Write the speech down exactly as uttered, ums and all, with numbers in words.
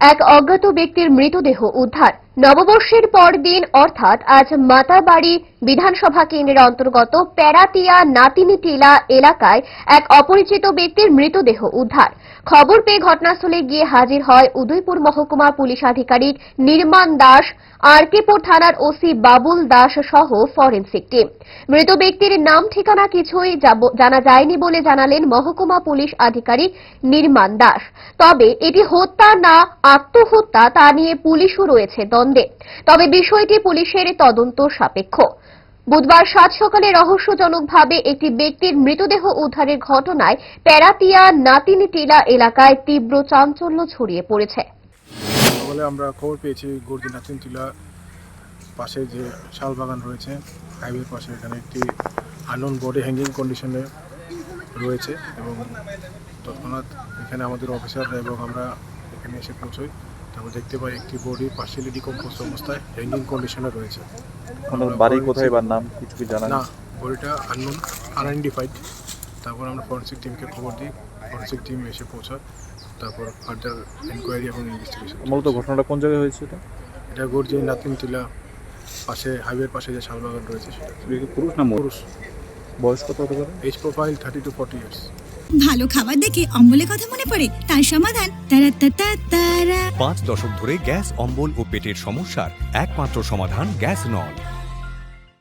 এক অজ্ঞাত ব্যক্তির মৃতদেহ উদ্ধার। নববর্ষের পরদিন অর্থাৎ আজ মাতাবাড়ি বিধানসভা কেন্দ্রের অন্তর্গত প্যারাতিয়া নাতিনিটিলা এলাকায় এক অপরিচিত ব্যক্তির মৃতদেহ উদ্ধার। খবর পেয়ে ঘটনাস্থলে গিয়ে হাজির হয় উদয়পুর মহকুমা পুলিশ আধিকারিক নির্মাণ দাস, আরকেপুর থানার ওসি বাবুল দাস সহ ফরেনসিক টিম। মৃত ব্যক্তির নাম ঠিকানা কিছুই জানা যায়নি বলে জানালেন মহকুমা পুলিশ আধিকারিক নির্মাণ দাস। তবে এটি হত্যা না আত্মহত্যা তা নিয়ে পুলিশও রয়েছে দ্বন্দ্বে। তবে বিষয়টি পুলিশের তদন্ত সাপেক্ষ। বুধবার সাত সকালে রহস্যজনকভাবে একটি ব্যক্তির মৃতদেহ উদ্ধারের ঘটনায় প্যারাতিয়া নাতিনিটিলা এলাকায় তীব্র চাঞ্চল্য ছড়িয়ে পড়েছে। সকালে আমরা খবর পেয়েছি গর্জি নাতিনিটিলা পাশে যে শাল বাগান রয়েছে, হাইওয়ের পাশে, এখানে একটি আননোন বডি হ্যাঙ্গিং কন্ডিশনে রয়েছে এবং তৎক্ষণাৎ এখানে আমাদের অফিসাররা এবং আমরা এখানে এসে পৌঁছই। তারপর দেখতে পাই একটি বডি পার্সিয়ালি ডিকম্পোজ অবস্থায় হ্যাঙ্গিং কন্ডিশনে রয়েছে। বাড়ি কোথায় বা নাম কিছু কি জানা না, বডিটা আননোন, আনআইডেন্টিফাইড। তারপর আমরা ফরেনসিক টিমকে খবর দিই, ফরেনসিক টিম এসে পৌঁছায়। তারপর ফার্দার এনকোয়ারি এবং ইনভেস্টিগেশন। মূলত ঘটনাটা কোন জায়গায় হয়েছে? এটা এটা গর্জি নাতিনিটিলা পাশে, হাইওয়ের পাশে যে শালবাগান রয়েছে সেটা। পুরুষ না পুরুষ। বয়স কত হতে পারে? Age profile thirty two forty years. ভালো খাবার দেখে অম্বলের কথা মনে পড়ে, তার সমাধান তারা তারা তারা পাঁচ দশক ধরে গ্যাস, অম্বল ও পেটের সমস্যার একমাত্র সমাধান গ্যাস নল।